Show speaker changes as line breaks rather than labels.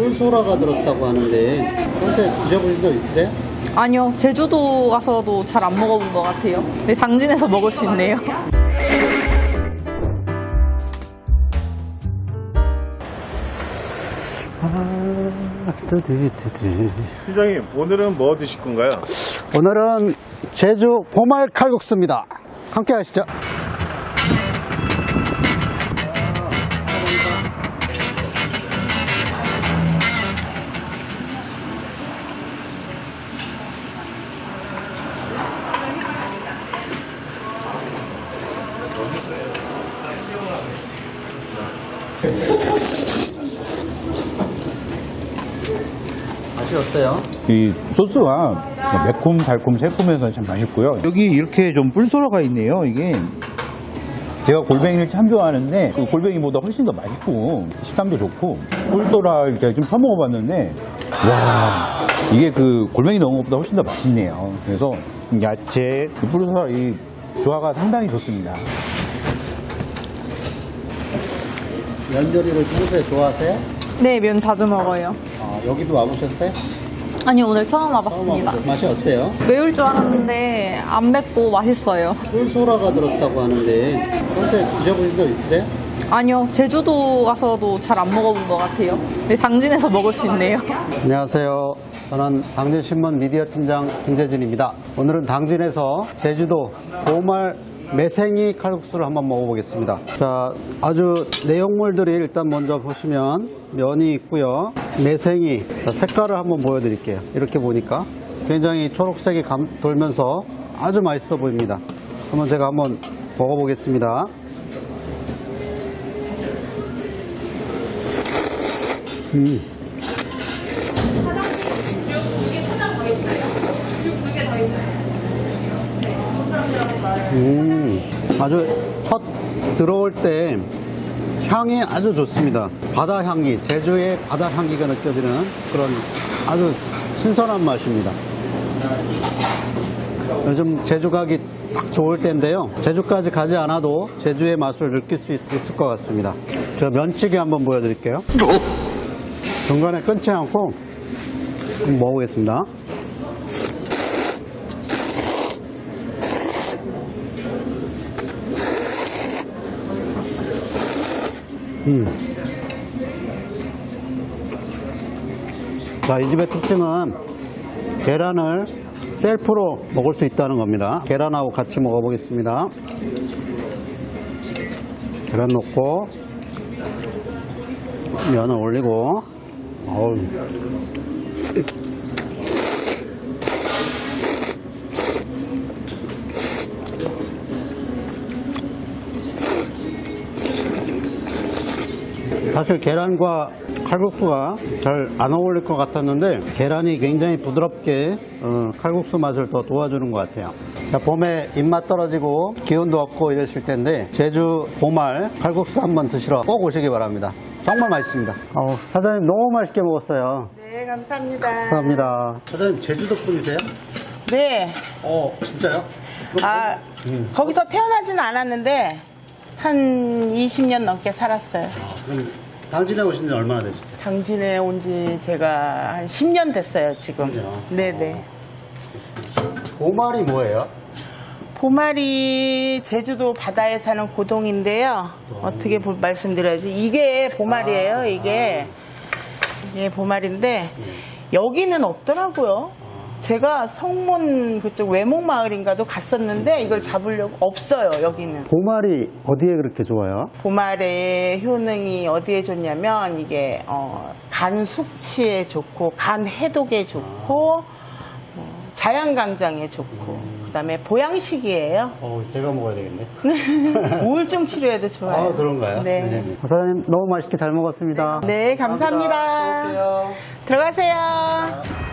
꿀소라가 들었다고 하는데 평소에 드셔보신 적 있으세요?
아니요, 제주도 가서도 잘 안 먹어본 것 같아요. 네, 당진에서 먹을 수 있네요.
시장님, 오늘은 뭐 드실 건가요?
오늘은 제주 보말 칼국수입니다. 함께 하시죠. 맛이 어때요?
이 소스가 매콤, 달콤, 새콤해서 참 맛있고요. 여기 이렇게 좀 뿔소라가 있네요. 이게 제가 골뱅이를 참 좋아하는데 그 골뱅이보다 훨씬 더 맛있고 식감도 좋고 뿔소라 이렇게 좀 처먹어봤는데 와 이게 그 골뱅이 넣은 것보다 훨씬 더 맛있네요. 그래서 야채, 이 뿔소라 이 조화가 상당히 좋습니다.
면조리를 평소에 좋아하세요?
네, 면 자주 먹어요.
여기도 와보셨어요?
아니요, 오늘 처음 와봤습니다.
맛이 어때요?
매울 줄 알았는데 안 맵고 맛있어요.
꿀소라가 들었다고 하는데 평소에 드셔보신 적 있으세요?
아니요, 제주도 가서도 잘 안 먹어본 것 같아요. 네, 당진에서 먹을 수 있네요.
안녕하세요. 저는 당진신문 미디어 팀장 김재진입니다. 오늘은 당진에서 제주도 보말 매생이 칼국수를 한번 먹어보겠습니다. 자, 아주 내용물들이 일단 먼저 보시면 면이 있고요. 매생이, 자, 색깔을 한번 보여드릴게요. 이렇게 보니까 굉장히 초록색이 돌면서 아주 맛있어 보입니다. 제가 한번 먹어보겠습니다. 아주 첫 들어올 때 향이 아주 좋습니다. 바다 향기, 제주의 바다 향기가 느껴지는 그런 아주 신선한 맛입니다. 요즘 제주 가기 딱 좋을 때인데요. 제주까지 가지 않아도 제주의 맛을 느낄 수 있을 것 같습니다. 저 면치기 한번 보여드릴게요. 중간에 끊지 않고 먹어보겠습니다. 자, 이 집의 특징은 계란을 셀프로 먹을 수 있다는 겁니다. 계란하고 같이 먹어보겠습니다. 계란 넣고 면을 올리고 사실 계란과 칼국수가 잘 안 어울릴 것 같았는데 계란이 굉장히 부드럽게 칼국수 맛을 더 도와주는 것 같아요. 자, 봄에 입맛 떨어지고 기운도 없고 이러실 텐데 제주 보말 칼국수 한번 드시러 꼭 오시기 바랍니다. 정말 맛있습니다. 사장님 너무 맛있게 먹었어요.
네, 감사합니다.
감사합니다. 사장님 제주도 분이세요?
네.
진짜요?
거기서 태어나지는 않았는데 한 20년 넘게 살았어요.
그럼 당진에 오신 지 얼마나 되셨어요?
당진에 온 지 제가 한 10년 됐어요, 지금.
그죠?
네네.
보말이 뭐예요?
보말이 제주도 바다에 사는 고동인데요. 어떻게 말씀드려야지. 이게 보말이에요, 이게. 이게 보말인데, 여기는 없더라고요. 제가 성문 그쪽 외목마을인가도 갔었는데 이걸 잡으려고 없어요, 여기는.
보말이 어디에 그렇게 좋아요?
보말의 효능이 어디에 좋냐면 이게 간 숙취에 좋고 간 해독에 좋고 자양강장에 좋고 그다음에 보양식이에요.
제가 먹어야 되겠네.
우울증 치료에도 좋아요.
그런가요?
네.
사장님 너무 맛있게 잘 먹었습니다.
네, 감사합니다.
수고하세요.
들어가세요.